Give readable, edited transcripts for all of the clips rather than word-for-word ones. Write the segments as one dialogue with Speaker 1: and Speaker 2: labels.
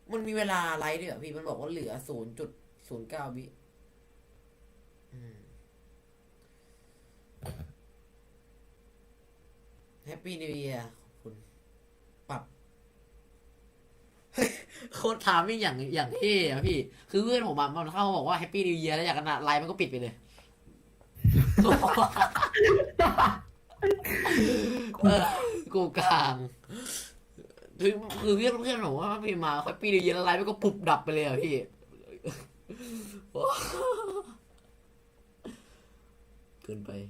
Speaker 1: มันมีเวลาไลฟ์ด้วยเหรอพี่มันบอกว่าเหลือ0.09 วิแฮปปี้นิวเอียร์ขอบคุณปรับโคตรถามมิ่งอย่างเท่อะพี่คือเพื่อนผมมันเข้ามาบอกว่าแฮปปี้นิวเอียร์แล้วอยากกันไลฟ์มันก็ปิดไปเลยเออกูกลางคือเพื่อนผมว่าพี่มาแฮปปี้นิวเอียร์แล้วไลฟ์มันก็ปุบดับไปเลยอะพี่เกินไป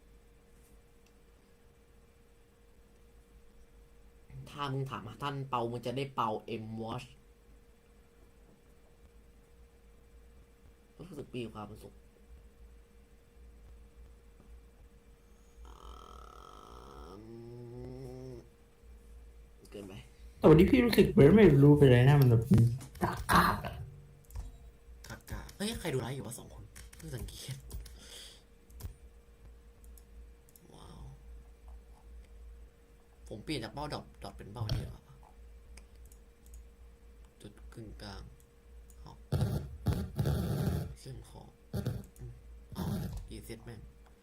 Speaker 1: ถ้ามึงถามท่านเปามันจะได้เปาM-Watch รู้สึกมีความสุขเกินไป
Speaker 2: แต่วันนี้พี่รู้สึกเหมือนไม่รู้เป็นไรนะมันแบบกากา
Speaker 1: กากาเฮ้ยใครดูไลฟ์อยู่วะ2 คนเพิ่งสังเกตว้าวผมเปลี่ยนจากเป้าดอทเป็นเป้าเนี่ยจุดกึ่งกลางเชื่อมคอรีเซ็ตแม่ง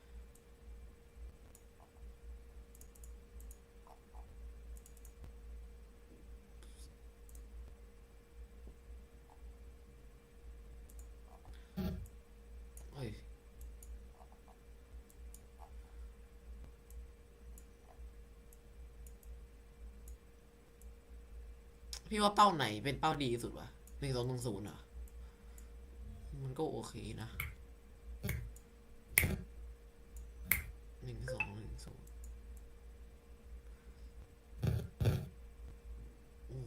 Speaker 1: เฮ้ยพี่ว่าเป้าไหนเป็นเป้าดีที่สุดวะ1210อ่ะมันก็โอเคนะ1210โอ้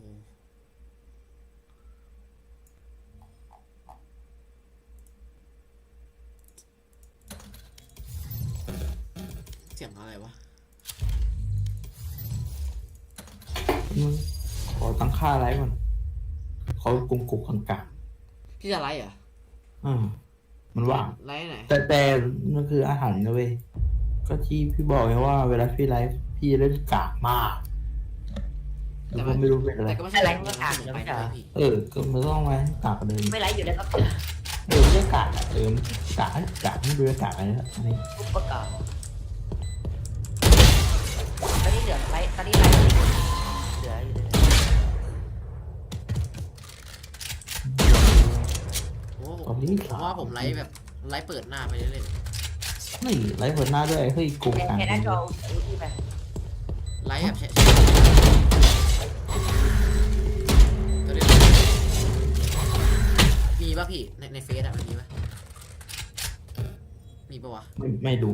Speaker 1: เสียงอะไรวะ
Speaker 2: ขอตั้งค่าอะไรก่อนเขากุกกลาง
Speaker 1: พี่จะไลฟ์อ่ะ
Speaker 2: มันว่าง
Speaker 1: ไลฟ์ไหน
Speaker 2: แต่มันคืออาหารนะเว้ยก็ที่พี่บอกไงว่าเวลาพี่ไลฟ์พี่เล่นกากมากแต่ก็ไม่รู้เป็นอะไร
Speaker 1: แต่ก็ไม่ใช่ไลฟ์ก็อ่านไปนะพี่
Speaker 2: ก็มันต้องไว้กากกว่าเดิม
Speaker 3: ไม่ไลฟ์อยู่แล้วก็
Speaker 2: ไม่ใช่กากกากไม่ดูกากอะไรนะอันนี้
Speaker 3: ทุกประกอบตอนนี้เหลือไลฟ์ตอนนี้ไลฟ์เหลืออยู่เลย
Speaker 1: ผมว่าผมไลฟ์แบบไลฟ์เปิดหน้าไปเรื่อย
Speaker 2: ไม่ไลฟ์เปิดหน้าด้วยเฮ้ยกู
Speaker 3: แค่หน้าจอที่ไป
Speaker 1: ไลฟ์แบบมีป่ะพี่ในเฟซอะมันมีป่ะมีป่ะวะ
Speaker 2: ไม่ดู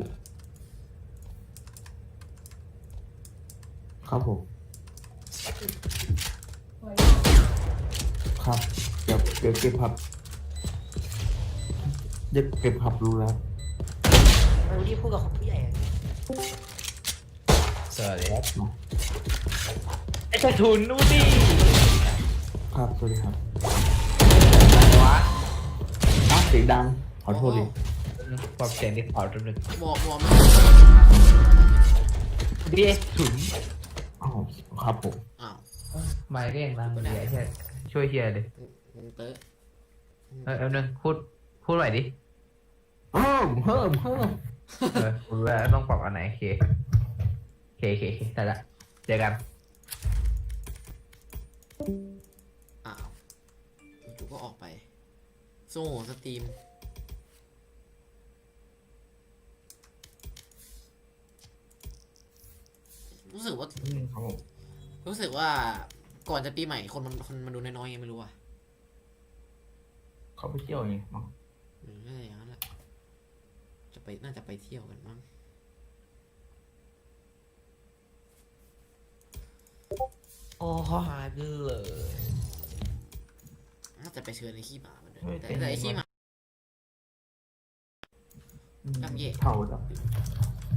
Speaker 2: ครับผมครับเก็บผับเก็บผับรู้แล้ว
Speaker 3: ไม่รู้ที่พูดกับผู้ใหญ่
Speaker 4: สวัสดีครับ
Speaker 3: ไอ้กระทุนนู่นดิ
Speaker 2: ครับสวัสดีครับ
Speaker 4: วะ
Speaker 2: เสียงดังขอโทษดิ
Speaker 4: ปรับเสียงที่เผาจนหนึ่ง
Speaker 1: บอก
Speaker 4: ดีถุน
Speaker 2: ครับผม
Speaker 4: ไม่ก็ยังดังดีแค่ช่วยเฮียดิ
Speaker 1: เต๋
Speaker 4: เอาหนึ่งพูดหน่อยดิ
Speaker 2: เพิ่ม
Speaker 4: คุณว่าต้องปรับอันไหนเคแต่ละเจอกัน
Speaker 1: จู่ก็ออกไปโซ่สตรีมรู้สึกว่าก่อนจะปีใหม่คนมันดูน้อยๆยังไม่รู้อ่ะ
Speaker 2: เขาไปเที่ยวไงมั้ง
Speaker 1: น่าจะอย่างนั้นแหละน่าจะไปเที่ยวกันมั้ง
Speaker 4: โอ้หายไปเลย
Speaker 1: น่าจะไปเชิญไอ้ขี้หมามันด้วยแต่ไอ้ขี้หมา
Speaker 2: เท่าดับ